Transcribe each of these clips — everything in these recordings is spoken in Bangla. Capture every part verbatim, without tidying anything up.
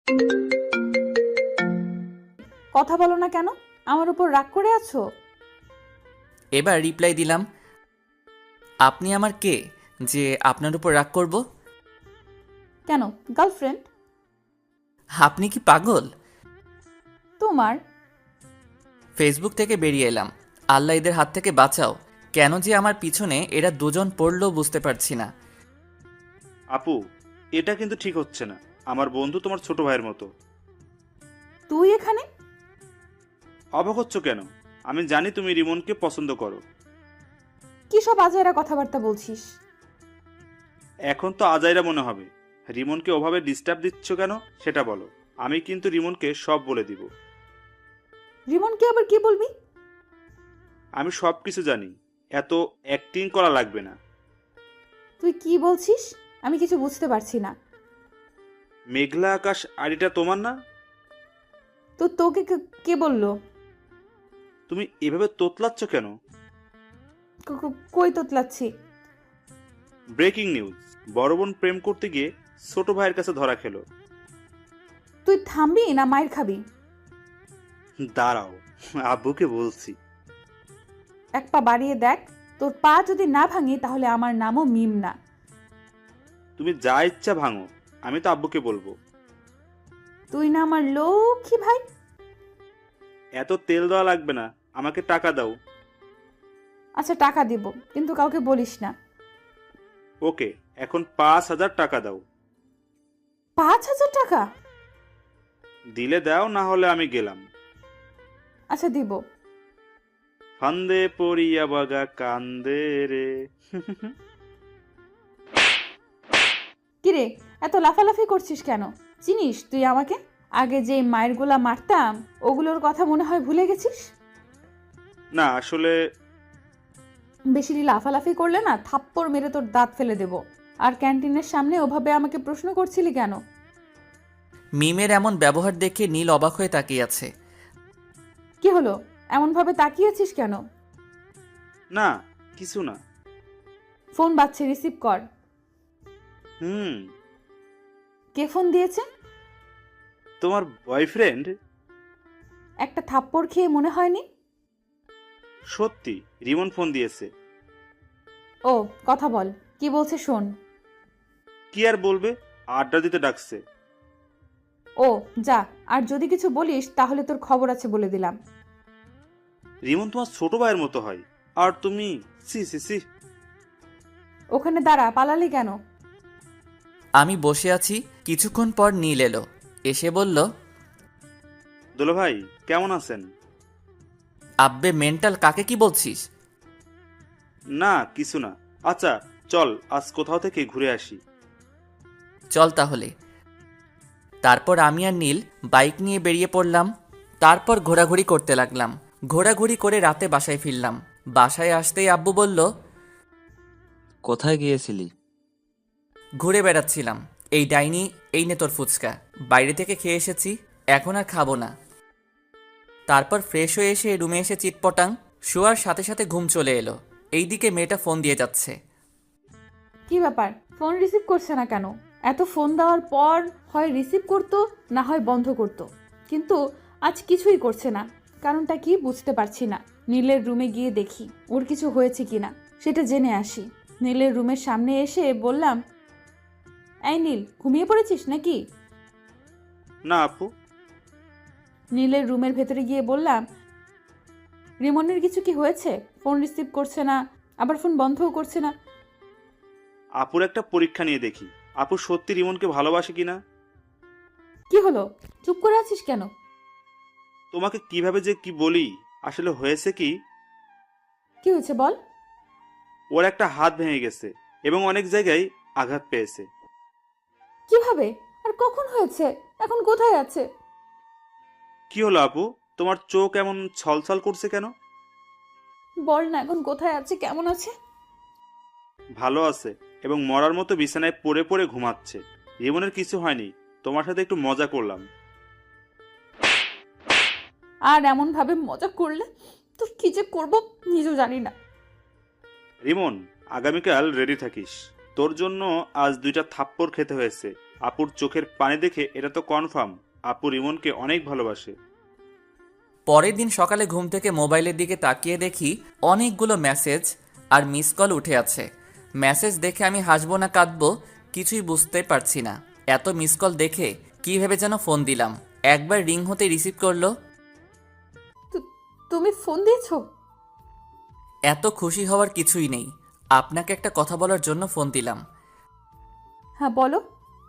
কথা বলো না কেন? আমার উপর রাগ করে আছো? এবার রিপ্লাই দিলাম, আপনি আমার কে যে আপনার উপর রাগ করব? কেন, গার্লফ্রেন্ড? আপনি কি পাগল? তোমার? ফেসবুক থেকে বেরিয়ে এলাম। আল্লাহ এদের হাত থেকে বাঁচাও। কেন যে আমার পিছনে এরা দুজন পড়লো বুঝতে পারছি না। আপু, এটা কিন্তু ঠিক হচ্ছে না। আমার বন্ধু তোমার ছোট ভাইয়ের মতো। তুই এখানে? অবাক হচ্ছ কেন? আমি জানি তুমি রিমনকে পছন্দ করো। কি সব আজাইরা কথাবার্তা বলছিস? এখন তো আজাইরা মনে হবে। রিমনকে ওভাবে ডিস্টার্ব দিচ্ছ কেন সেটা বলো। আমি কিন্তু রিমনকে সব বলে দিব। রিমনকে আবার কি বলবি? আমি সব কিছু জানি। এত অ্যাক্টিং করা লাগবে না। তুই কি বলছিস? আমি কিছু বুঝতে পারছি না। মেঘলা আকাশ আড়িটা তোমার না? তো তোকে কে- কে বললো? তুমি এভাবে তোতলাচ্ছ কেন? ক- ক- কই তোতলাচ্ছি? ব্রেকিং নিউজ, বড় বোন প্রেম করতে গিয়ে ছোট ভাইয়ের কাছে ধরা খেলো। তুই থামবি না মায়ের খাবি? দাঁড়াও, আব্বুকে বলছি। এক পা বাড়িয়ে দেখ। তোর পা যদি না ভাঙি তাহলে আমার নামও মিম না। তুমি যা ইচ্ছা ভাঙো, আমি তো আব্বুকে বলবো। তুই না আমার লক্ষ্মী ভাই? এত তেল দেওয়া লাগবে না, আমাকে টাকা দাও। আচ্ছা টাকা দিব, কিন্তু কাউকে বলিস না। ওকে, এখন পাঁচ হাজার টাকা দাও। পাঁচ হাজার টাকা? দিলে দাও, না হলে আমি গেলাম। আচ্ছা দিব। ফান্দে পড়িয়া বাগা কান্দে রে। কিরে, এত লাফালাফি করছিস কেন? চিনিস তুই আমাকে? আগে যে মায়ের গোলা মারতাম ওগুলোর কথা মনে হয় ভুলে গেছিস? না আসলে বেশি লাফালাফি করলে না থাপ্পড় মেরে তোর দাঁত ফেলে দেব। আর ক্যান্টিনের সামনে ওভাবে আমাকে প্রশ্ন করছিলি কেন? মিমের এমন ব্যবহার দেখে নীল অবাক হয়ে তাকিয়ে আছে। কি হলো, এমন ভাবে তাকিয়েছিস কেন? না, কিছু না। ফোন বাজছে, রিসিভ কর। হুম। কে ফোন দিয়েছে? তোমার বয়ফ্রেন্ড? একটা থাপ্পড় খেয়ে মনে হয়নি? সত্যি, রিমন ফোন দিয়েছে। ও, কথা বল, কি বলছে শোন। কি আর বলবে, আড্ডা দিতে ডাকছে। ও যা, আর যদি কিছু বলিস তাহলে তোর খবর আছে বলে দিলাম। রিমন তোমার ছোট ভাইয়ের মতো হয়, আর তুমি সি সি সি। ওখানে দাঁড়া, পালালি কেন? আমি বসে আছি, কিছুক্ষণ পর নীল এলো। এসে বলল, দুলো ভাই কেমন আছেন? আব্বে মেন্টাল, কাকে কি বলছিস? না কিছু না। আচ্ছা চল আজ কোথাও থেকে ঘুরে আসি। চল তাহলে। তারপর আমি আর নীল বাইক নিয়ে বেরিয়ে পড়লাম। তারপর ঘোরাঘুরি করতে লাগলাম। ঘোরাঘুরি করে রাতে বাসায় ফিরলাম। বাসায় আসতেই আব্বু বলল, কোথায় গিয়েছিলি? ঘুরে বেড়াচ্ছিলাম। এই ডাইনি, এই নে তোর ফুচকা। বাইরে থেকে খেয়ে এসেছি, এখন আর খাবো না। তারপর ফ্রেশ হয়ে এসে রুমে এসে চিটপটাং, শোয়ার সাথে সাথে ঘুম চলে এলো। এইদিকে মেয়েটা ফোন দিয়ে যাচ্ছে। কি ব্যাপার, ফোন রিসিভ করছে না কেন? এত ফোন দেওয়ার পর হয় রিসিভ করতো, না হয় বন্ধ করতো, কিন্তু আজ কিছুই করছে না। কারণটা কি বুঝতে পারছি না। নীলের রুমে গিয়ে দেখি ওর কিছু হয়েছে কিনা, সেটা জেনে আসি। নীলের রুমের সামনে এসে বললাম, এই নীল, ঘুমিয়ে পড়েছিস নাকি? না আপু। নীলের রুমের ভেতরে গিয়ে বললাম, রিমনের কিছু কি হয়েছে? ফোন রিসিভ করছে না, আবার ফোন বন্ধও করছে না। আপুর একটা পরীক্ষা নিয়ে দেখি, আপু সত্যি রিমনকে ভালোবাসে কিনা। কি হলো, চুপ করে আছিস কেন? তোমাকে কিভাবে যে কি বলি, আসলে হয়েছে কি, কি হয়েছে বল। ওর একটা হাত ভেঙে গেছে এবং অনেক জায়গায় আঘাত পেয়েছে। কিভাবে আর কখন হয়েছে? এখন কোথায় আছে? কি হলো আপু, তোমার চোখ এমন ছলছল করছে কেন? বল না, এখন কোথায় আছে, কেমন আছে? ভালো আছে এবং মরার মতো বিছানায় পড়ে পড়ে ঘুমাচ্ছে। রিমনের কিছু হয়নি, তোমার সাথে একটু মজা করলাম। আর এমন ভাবে মজা করলে তোর কি যে করবো নিজেও জানি না। রিমন, আগামীকাল রেডি থাকিস। তোর জন্য আজ দুইটা থাপ্পড় খেতে হয়েছে, আপুর চোখের পানি দেখে এটা তো কনফার্ম আপু রিমনকে অনেক ভালোবাসে। পরের দিন সকালে ঘুম থেকে মোবাইলের দিকে তাকিয়ে দেখি অনেকগুলো মেসেজ আর মিস কল উঠে আছে। মেসেজ দেখে আমি হাসবো না কাঁদবো কিছুই বুঝতে পারছি না। এত মিস কল দেখে কী ভেবে যেন ফোন দিলাম। একবার রিং হতে রিসিভ করলো। তু- তুমি ফোন দিয়েছো? এত খুশি হওয়ার কিছুই নেই। আপনাকে একটা কথা বলার জন্য ফোন দিলাম। হ্যাঁ বলো।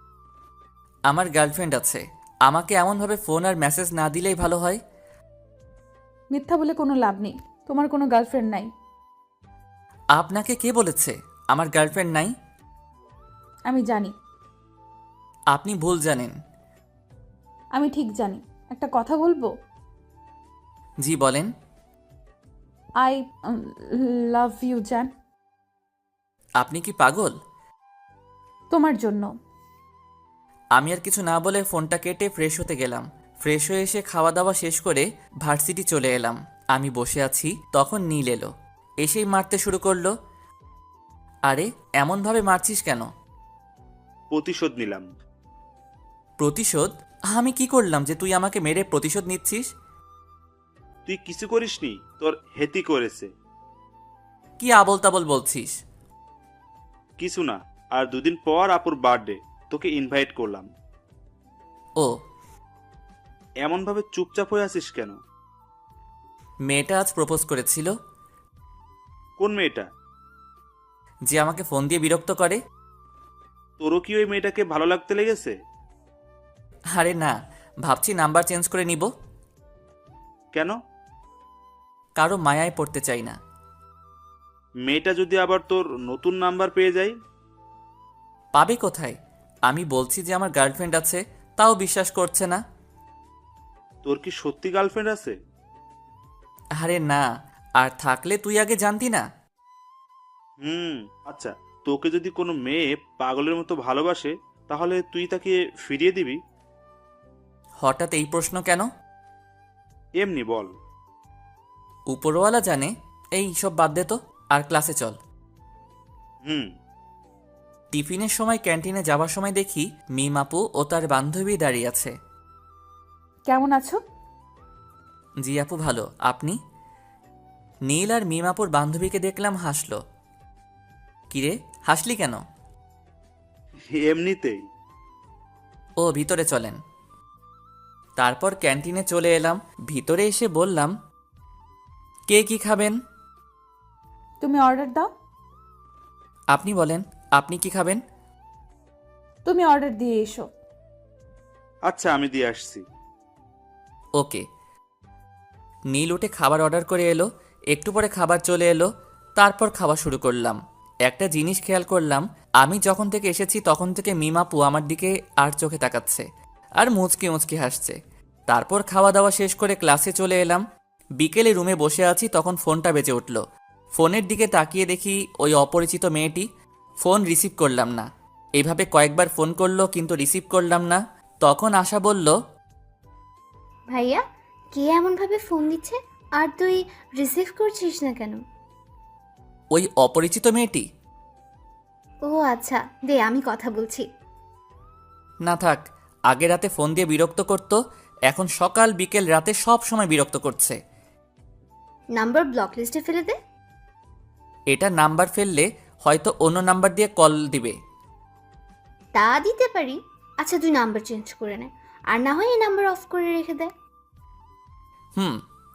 আমার গার্লফ্রেন্ড আছে। আমাকে এমনভাবে ফোন আর মেসেজ না দিলেই ভালো হয়। মিথ্যা বলে কোনো লাভ নেই, তোমার কোনো গার্লফ্রেন্ড নাই। আপনাকে কে বলেছে আমার গার্লফ্রেন্ড নাই? আমি জানি। আপনি ভুল জানেন। আমি ঠিক জানি। একটা কথা বলবো? জি বলেন। আই লাভ ইউ জান। আপনি কি পাগল? তোমার জন্য। আমি আর কিছু না বলে ফোনটা কেটে ফ্রেশ হতে গেলাম। ফ্রেশ হয়ে এসে খাওয়া দাওয়া শেষ করে ভার্সিটি চলে এলাম। আমি বসে আছি তখন নীল এলো। এসেই মারতে শুরু করলো। আরে এমনভাবে মারছিস কেন? প্রতিশোধ নিলাম। প্রতিশোধ? আমি কি করলাম যে তুই আমাকে মেরে প্রতিশোধ নিচ্ছিস? তুই কিছু করিসনি, তোর হেতি করেছে। কি আবল তাবল বলছিস? কিছু না, আর দুদিন পর আপুর বার্থডে, তোকে ইনভাইট করলাম। ও, এমনভাবে চুপচাপ হয়ে আছিস কেন? মেয়েটা আজ প্রপোজ করেছিল। কোন মেয়েটা? যে আমাকে ফোন দিয়ে বিরক্ত করে। তোরও কি ওই মেয়েটাকে ভালো লাগতে লেগেছে? আরে না, ভাবছি নাম্বার চেঞ্জ করে নিব। কেন? কারো মায়ায় পড়তে চাই না। মেয়েটা যদি আবার তোর নতুন নাম্বার পেয়ে যায়? পাবে কোথায়? আমি বলছি যে আমার গার্লফ্রেন্ড আছে, তাও বিশ্বাস করছে না। তোর কি সত্যি গার্লফ্রেন্ড আছে? আরে না, আর থাকলে তুই আগে জানতি না। হুম, আচ্ছা, তোকে যদি কোনো মেয়ে পাগলের মতো ভালোবাসে তাহলে তুই তাকে ফিরিয়ে দিবি? হঠাৎ এই প্রশ্ন কেন? এমনি বল। উপরওয়ালা জানে। এই সব বাদ দে তো, আর ক্লাসে চল। হুম। টিফিনের সময় ক্যান্টিনে যাওয়ার সময় দেখি মিম আপু ও তার বান্ধবী দাঁড়িয়ে আছে। কেমন আছো? জি আপু ভালো, আপনি? নীল আর মিম আপুর বান্ধবীকে দেখলাম হাসলো। কিরে হাসলি কেন? এমনিতেই। ও ভিতরে চলেন। তারপর ক্যান্টিনে চলে এলাম। ভিতরে এসে বললাম, কে কি খাবেন? তুমি অর্ডার দাও। আপনি বলেন, আপনি কি খাবেন? তুমি অর্ডার দিয়ে এসো। আচ্ছা, আমি দিয়ে আসছি। ওকে। নীল উঠে খাবার অর্ডার করে এলো। একটু পরে খাবার চলে এলো। তারপর খাওয়া শুরু করলাম। একটা জিনিস খেয়াল করলাম, আমি যখন থেকে এসেছি তখন থেকে মিমাপু আমার দিকে আর চোখে তাকাচ্ছে আর মুচকি মুচকি হাসছে। তারপর খাওয়া দাওয়া শেষ করে ক্লাসে চলে এলাম। বিকেলে রুমে বসে আছি তখন ফোনটা বেজে উঠল। ফোনের দিকে তাকিয়ে দেখি ওই অপরিচিত মেয়েটি। ফোন রিসিভ করলাম না। এইভাবে কয়েকবার ফোন করলো কিন্তু রিসিভ করলাম না। তখন আশা বলল, ভাইয়া, কে এমনভাবে ফোন দিচ্ছে আর তুই রিসিভ করছিস না কেন? ওই অপরিচিত মেয়েটি। ও আচ্ছা, দে আমি কথা বলছি। না থাক, আগে রাতে ফোন দিয়ে বিরক্ত করত, এখন সকাল বিকেল রাতে সব সময় বিরক্ত করছে। নাম্বার ব্লক লিস্টে ফেলে দে। এটা নাম্বার ফেললে হয়তো অন্য নাম্বার দিয়ে কল দিবে। তা দিতে পারি। আচ্ছা তুই নাম্বার চেঞ্জ করে নে, আর না হয় এই নাম্বার অফ করে রেখে দে। হুম।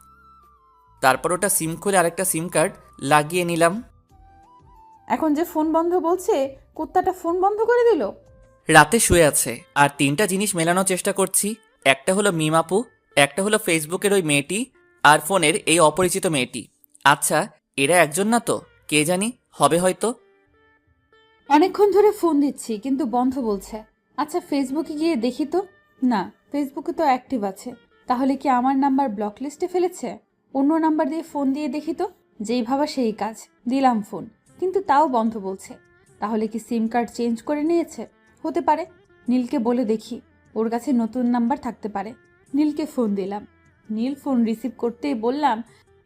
তারপর ওটা সিম খুলে আরেকটা সিম কার্ড লাগিয়ে নিলাম। এখন যে ফোন বন্ধ বলছে, কুত্তাটা ফোন বন্ধ করে দিল। রাতে শুয়ে আছে আর তিনটা জিনিস মেলানোর চেষ্টা করছি। একটা হলো মিমাপু, একটা হলো ফেসবুকের ওই মেয়েটি, আর ফোনের এই অপরিচিত মেয়েটি। আচ্ছা, এরা একজন না তো? কে জানি, হবে হয়তো। অনেকক্ষণ ধরে ফোন দিচ্ছি কিন্তু বন্ধ বলছে। আচ্ছা ফেসবুকে গিয়ে দেখি তো। না, ফেসবুকে তো অ্যাক্টিভ আছে। তাহলে কি আমার নাম্বার ব্লক লিস্টে ফেলেছে? অন্য নাম্বার দিয়ে ফোন দিয়ে দেখি তো। যেই ভাবা সেই কাজ, দিলাম ফোন, কিন্তু তাও বন্ধ বলছে। তাহলে কি সিম কার্ড চেঞ্জ করে নিয়েছে? হতে পারে। নীলকে বলে দেখি, ওর কাছে নতুন নাম্বার থাকতে পারে। নীলকে ফোন দিলাম। নীল ফোন রিসিভ করতেই বললাম,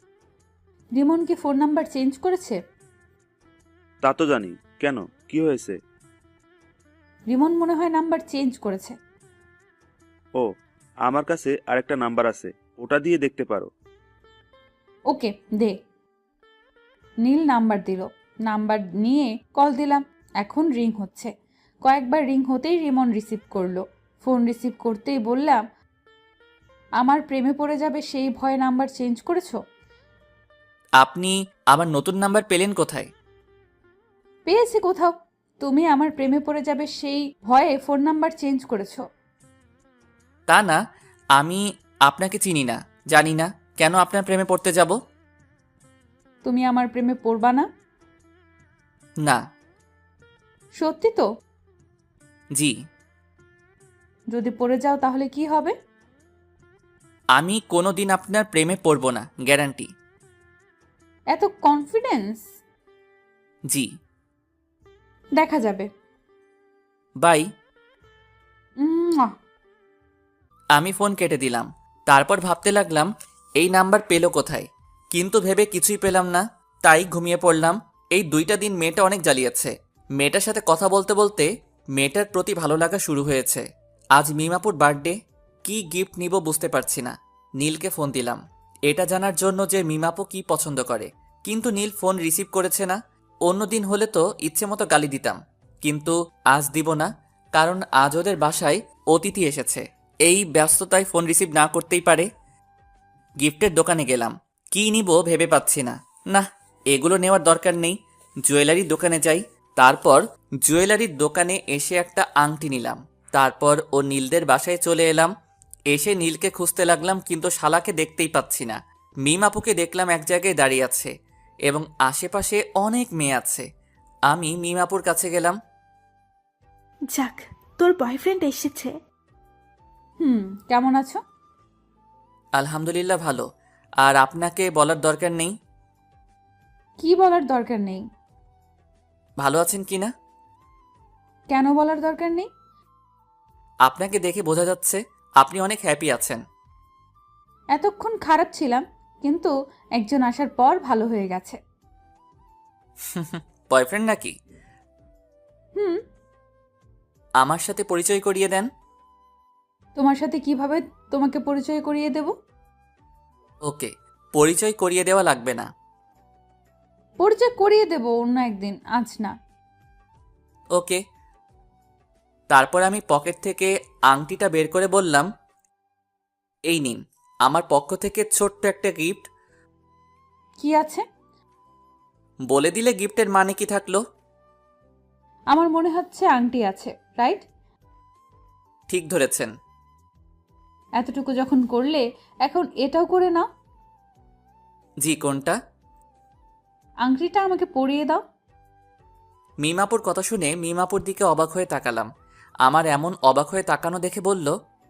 রিমন কি ফোন নাম্বার চেঞ্জ করেছে? তা তো জানি, কেন, কি হয়েছে? রিমন মনে হয় নাম্বার চেঞ্জ করেছে। ও, আমার কাছে আরেকটা নাম্বার আছে, ওটা দিয়ে দেখতে পারো। ওকে দে। নীল নাম্বার দিল। নাম্বার নিয়ে কল দিলাম। এখন রিং হচ্ছে। কয়েকবার রিং হতেই রিমন রিসিভ করলো। ফোন রিসিভ করতেই বললাম, আমার প্রেমে পড়ে যাবে সেই ভয়ে নাম্বার চেঞ্জ করেছো? আপনি আমার নতুন নাম্বার পেলেন কোথায়? পেয়েছি কোথাও। তুমি আমার প্রেমে পড়ে যাবে সেই ভয়ে ফোন নাম্বার চেঞ্জ করেছো। তা না, আমি আপনাকে চিনি না, জানি না, কেন আপনার প্রেমে পড়তে যাব? তুমি আমার প্রেমে পড়বা না? না। সত্যি তো? জি। যদি পড়ে যাও তাহলে কি হবে? আমি কোনো দিন আপনার প্রেমে পড়ব না, গ্যারান্টি। এত কনফিডেন্স? জি। দেখা যাবে। বাই। উম্মুয়া। আমি ফোন কেটে দিলাম। তারপর ভাবতে লাগলাম এই নাম্বার পেলো কোথায়, কিন্তু ভেবে কিছুই পেলাম না, তাই ঘুমিয়ে পড়লাম। এই দুইটা দিন মেয়েটা অনেক জ্বালিয়েছে। মেয়েটার সাথে কথা বলতে বলতে মেয়েটার প্রতি ভালো লাগা শুরু হয়েছে। আজ মিমাপুর বার্থডে, কি গিফট নিব বুঝতে পারছি না। নীলকে ফোন দিলাম এটা জানার জন্য যে মিমাপু কি পছন্দ করে, কিন্তু নীল ফোন রিসিভ করেছে না। অন্য দিন হলে তো ইচ্ছে মতো গালি দিতাম, কিন্তু আজ দিব না, কারণ আজ ওদের বাসায় অতিথি এসেছে। এই ব্যস্ততায় ফোন রিসিভ না করতেই পারে। গিফটের দোকানে গেলাম, কি নিব ভেবে পাচ্ছি না। না, এগুলো নেওয়ার দরকার নেই, জুয়েলারির দোকানে যাই। তারপর জুয়েলারির দোকানে এসে একটা আংটি নিলাম। তারপর ও নীলদের বাসায় চলে এলাম। এসে নীলকে খুঁজতে লাগলাম, কিন্তু শালাকে দেখতেই পাচ্ছি না। মিম আপুকে দেখলাম এক জায়গায় দাঁড়িয়ে আছে এবং আশেপাশে অনেক মেয়ে আছে। আমি মিম আপুর কাছে গেলাম। যাক, তোর বয়ফ্রেন্ড এসেছে। হুম, কেমন আছো? আলহামদুলিল্লাহ ভালো। আর আপনাকে বলার দরকার নেই। কি বলার দরকার নেই? ভালো আছেন কিনা? কেন বলার দরকার নেই? আপনাকে দেখে বোঝা যাচ্ছে আপনি অনেক হ্যাপি আছেন। এতক্ষণ খারাপ ছিলাম, কিন্তু একজন আসার পর ভালো হয়ে গেছে। বয়ফ্রেন্ড নাকি? হুম। আমার সাথে পরিচয় করিয়ে দেন। তোমার সাথে কিভাবে তোমাকে পরিচয় করিয়ে দেব? ওকে, পরিচয় করিয়ে দেওয়া লাগবে না। পরিচয় করিয়ে দেব অন্য একদিন, আজ না। ওকে। তারপর আমি পকেট থেকে আংটিটা বের করে বললাম, এই নিন আমার পক্ষ থেকে ছোট্ট একটা গিফট। কি আছে? বলে দিলে গিফটের মানে কি থাকলো? আমার মনে হচ্ছে আংটি আছে, রাইট? ঠিক ধরেছেন। এতটুকু যখন করলে এখন এটাও করে নাও। জি, কোনটা? আংটিটা আমাকে পরিয়ে দাও। মিমাপুর কথা শুনে মিমাপুর দিকে অবাক হয়ে তাকালাম। আমার এমন অবাক হয়ে তাকানো দেখে বলল,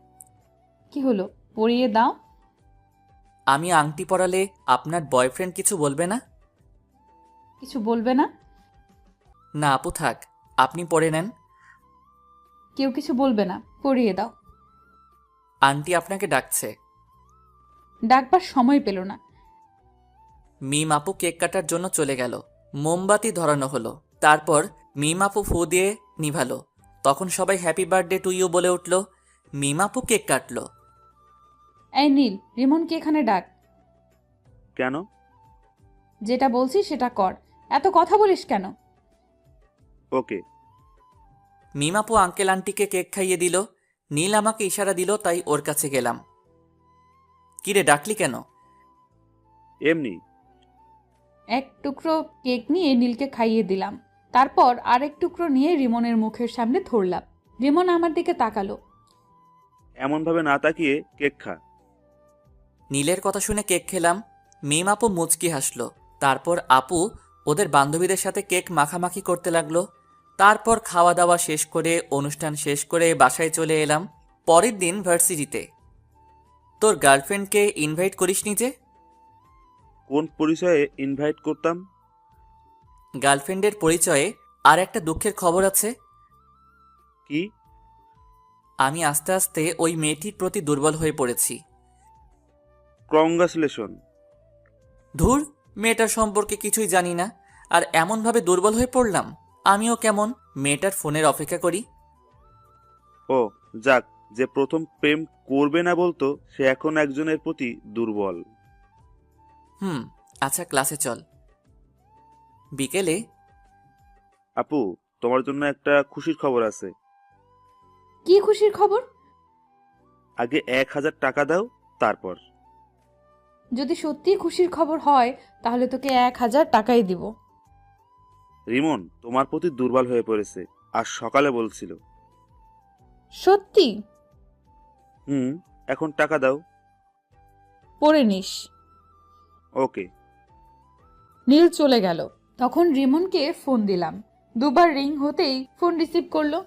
কি হলো, পরিয়ে দাও। আমি আংটি পরালে আপনার বয়ফ্রেন্ড কিছু বলবে না? কিছু বলবে না? না আপু থাক, আপনি পরে নেন। কেউ কিছু বলবে না, পরিয়ে দাও। আন্টি আপনাকে ডাকছে। ডাকবার সময় পেল না। মিম আপু কেক কাটার জন্য চলে গেল। মোমবাতি ধরানো হলো। তারপর মিম আপু ফু দিয়ে নিভালো। তখন সবাই হ্যাপি বার্থডে টু ইউ বলে উঠল। মিম আপু কেক কাটলো। এই নীল, রিমনকে এখানে ডাক। কেন? যেটা বলছি সেটা কর, এত কথা বলিস কেন? ওকে। মিম আপু আঙ্কেল আন্টিকে কেক খাইয়ে দিল। নীল আমাকে ইশারা দিল, তাই ওর কাছে গেলাম। কিরে ডাকলি কেন? এমনি। এক টুকরো কেক নিয়ে নীলকে খাইয়ে দিলাম। তারপর আরেক টুকরো নিয়ে রিমনের মুখের সামনে ধরলাম। রিমন আমার দিকে তাকালো। এমনভাবে না তাকিয়ে কেক খা। নীলের কথা শুনে কেক খেলাম। মিম আপু মুচকি হাসলো। তারপর আপু ওদের বান্ধবীদের সাথে কেক মাখামাখি করতে লাগলো। তারপর খাওয়া দাওয়া শেষ করে অনুষ্ঠান শেষ করে বাসায় চলে এলাম। পরের দিন ভার্সিটিতে। তোর গার্লফ্রেন্ডকে ইনভাইট করিসনি যে? কোন পরিচয়ে ইনভাইট করতাম? গার্লফ্রেন্ডের পরিচয়ে আর একটা দুঃখের খবর আছে। কি? আমি আস্তে আস্তে ওই মেয়েটির প্রতি দুর্বল হয়ে পড়েছি। কংগ্রাচুলেশন। ধুর, মেয়েটার সম্পর্কে কিছুই জানি না, আর এমনভাবে দুর্বল হয়ে পড়লাম। আমিও কেমন মেয়েটার ফোনের অপেক্ষা করি। ও যাক, যে প্রথম প্রেম করবে না বলতো সে এখন একজনের প্রতি দুর্বল। হুম, আচ্ছা ক্লাসে চল। বিকেলে আপু, তোমার জন্য একটা খুশির খবর আছে। কি খুশির খবর? আগে এক হাজার টাকা দাও, তারপর। যদি সত্যি খুশির খবর হয় তাহলে তোকে এক হাজার টাকাই দিব। রিমন তোমার প্রতি দুর্বল হয়ে পড়েছে, আর সকালে বলছিল। সত্যি? হুম, এখন টাকা দাও। পড়ে নিস। ওকে। নীল চলে গেল। তখন রিমনকে ফোন দিলাম। দুবার রিং হতেই ফোন রিসিভ করলো।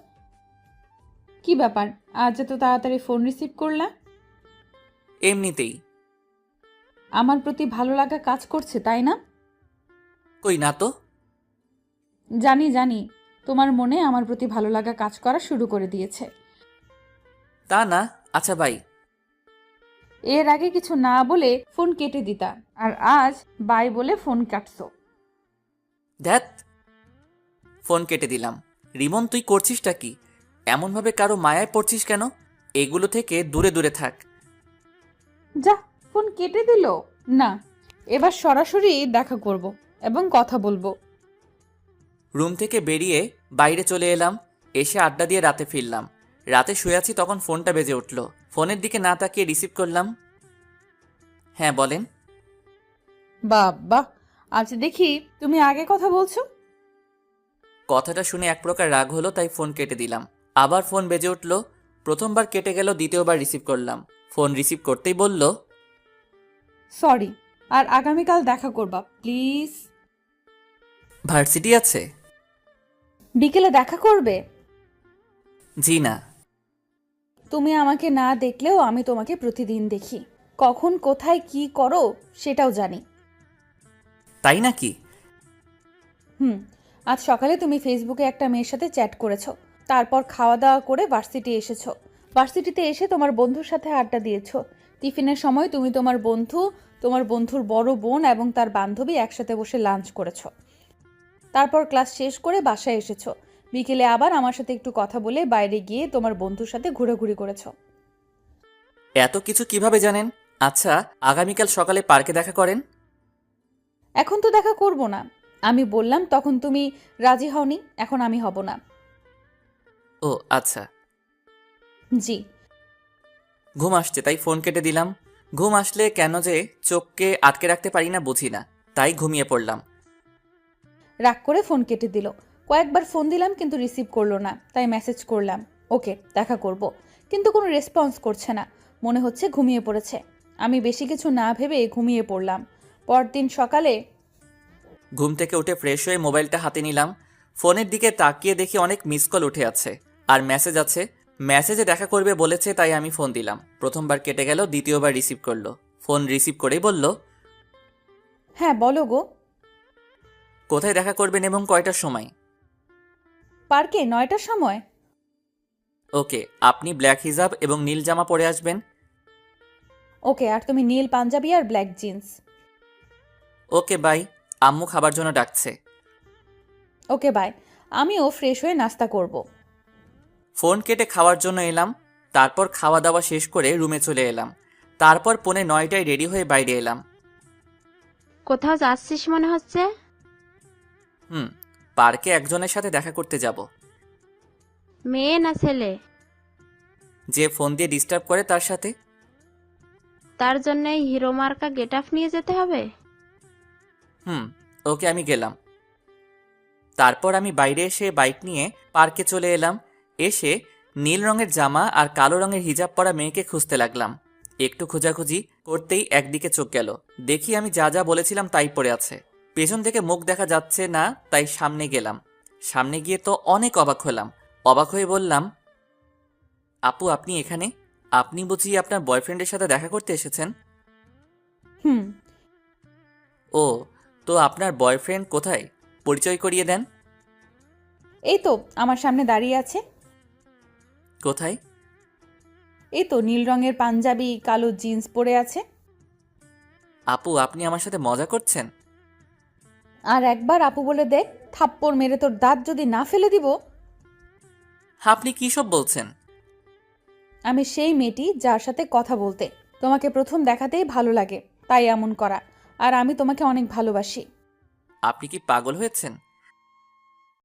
কি ব্যাপার, আজ এত তাড়াতাড়ি ফোন রিসিভ করলা? এমনিতেই। আমার প্রতি ভালো লাগা কাজ করছে, তাই না? কই না তো। জানি জানি, তোমার মনে আমার প্রতি ভালো লাগা কাজ করা শুরু করে দিয়েছে। তা না, আচ্ছা বাই। এর আগে কিছু না বলে ফোন কেটে দিতা, আর আজ বাই বলে ফোন কাটছো। ধ্যাত, ফোন কেটে দিলাম। রিমন তুই করছিসটা কি? এমনভাবে কারো মায়ায় পড়ছিস কেন? এগুলো থেকে দূরে দূরে থাক। যা, ফোন কেটে দিল। না, এবার সরাসরি দেখা করব এবং কথা বলবো। রুম থেকে বেরিয়ে বাইরে চলে এলাম। এসে আড্ডা দিয়ে রাতে ফিরলাম। রাতে শুয়ে আছি, তখন ফোনটা বেজে উঠল। ফোনের দিকে না তাকিয়ে রিসিভ করলাম। হ্যাঁ বলেন। বাবা, আজ দেখি তুমি আগে কথা বলছো। কথাটা শুনে এক প্রকার রাগ হলো, তাই ফোন কেটে দিলাম। আবার ফোন বেজে উঠল। প্রথমবার কেটে গেল, দ্বিতীয়বার রিসিভ করলাম। ফোন রিসিভ করতেই বলল, সরি, আর আগামীকাল দেখা করবা প্লিজ। ভার্সিটি আছে? বিকেলে দেখা করবে? জি না। তুমি আমাকে না দেখলেও আমি তোমাকে প্রতিদিন দেখি। কখন কোথায় কি করো সেটাও জানি। তাই নাকি? হুম, আজ সকালে তুমি ফেসবুকে একটা মেয়ের সাথে চ্যাট করেছো। তারপর খাওয়া দাওয়া করে ভার্সিটি এসেছো। ভার্সিটিতে এসে তোমার বন্ধুর সাথে আড্ডা দিয়েছো। টিফিনের সময় তুমি তোমার বন্ধু, তোমার বন্ধুর বড় বোন এবং তার বান্ধবী একসাথে বসে লাঞ্চ করেছো। তারপর ক্লাস শেষ করে বাসায় এসেছো। বিকেলে আবার আমার সাথে একটু কথা বলে বাইরে গিয়ে তোমার বন্ধুর সাথে ঘোরাঘুরি করেছো। এত কিছু কিভাবে জানেন? আচ্ছা, আগামীকাল সকালে পার্কে দেখা করেন। এখন তো দেখা করব না। আমি বললাম তখন তুমি রাজি হওনি, এখন আমি হব না। ও আচ্ছা। জি। ঘুম আসছে তাই ফোন কেটে দিলাম। ঘুম আসলে কেন যে চোখকে আটকে রাখতে পারি না বুঝি না, তাই ঘুমিয়ে পড়লাম। রাগ করে ফোন কেটে দিল। কয়েকবার ফোন দিলাম কিন্তু রিসিভ করলো না, তাই মেসেজ করলাম ওকে দেখা করব, কিন্তু কোনো রেসপন্স করছে না। মনে হচ্ছে ঘুমিয়ে পড়েছে। আমি বেশি কিছু না ভেবে ঘুমিয়ে পড়লাম। পরদিন সকালে ঘুম থেকে উঠে ফ্রেশ হয়ে মোবাইলটা হাতে নিলাম। ফোনের দিকে তাকিয়ে দেখি অনেক মিস কল উঠে আছে আর মেসেজ আছে। মেসেজে দেখা করবে বলেছে, তাই আমি ফোন দিলাম। প্রথমবার কেটে গেল, দ্বিতীয়বার রিসিভ করলো। ফোন রিসিভ করেই বলল, হ্যাঁ বলো গো। কোথায় দেখা করবেন এবং কয়টার সময়? পার্কে নয়টার সময়। ওকে, আপনি ব্ল্যাক হিজাব এবং নীল জামা পরে আসবেন। ওকে, আর তুমি নীল পাঞ্জাবি আর ব্ল্যাক জিন্স। Okay bye. আম্মু খাবার জন্য ডাকছে। Okay bye. আমিও ফ্রেশ হয়ে নাস্তা করব। ফোন কেটে খাওয়ার জন্য এলাম। তারপর খাওয়া দাওয়া শেষ করে রুমে চলে এলাম। তারপর পৌনে নয়টায় রেডি হয়ে বাইরে এলাম। কোথাও যাচ্ছিস মনে হচ্ছে? হুম, পার্কে একজনের সাথে দেখা করতে যাব। মেয়ে না ছেলে? যে ফোন দিয়ে ডিস্টার্ব করে তার সাথে। তার জন্য হিরো মার্কা গেট আপ নিয়ে যেতে হবে? হুম, ওকে আমি গেলাম। তারপর আমি বাইরে এসে বাইক নিয়ে পার্কে চলে এলাম। এসে নীল রঙের জামা আর কালো রঙের হিজাব পরা মেয়েকে খুঁজতে লাগলাম। একটু খোঁজাখুঁজি করতেই একদিকে চোখ গেল। দেখি আমি যা যা বলেছিলাম তাই পড়ে আছে। পেছন থেকে মুখ দেখা যাচ্ছে না, তাই সামনে গেলাম। সামনে গিয়ে তো অনেক অবাক হলাম। অবাক হয়ে বললাম, আপু আপনি এখানে? আপনি বুঝি আপনার বয়ফ্রেন্ডের সাথে দেখা করতে এসেছেন? হুম। ও, তো আপনার বয়ফ্রেন্ড কোথায়? পরিচয় করিয়ে দেন। এই তো আমার সামনে দাঁড়িয়ে আছে। কোথায়? এই তো নীল রঙের পাঞ্জাবি, কালো জিন্স পরে আছে। আপু আপনি আমার সাথে মজা করছেন? আর একবার আপু বলে দেখ, থাপ্পড় মেরে তোর দাঁত যদি না ফেলে দিব। আপনি কী সব বলছেন? আমি সেই মেয়েটি যার সাথে কথা বলতে তোমাকে প্রথম দেখাতেই ভালো লাগে, তাই এমন করা। আর আমি তোমাকে অনেক ভালোবাসি। আপনি কি পাগল হয়েছেন?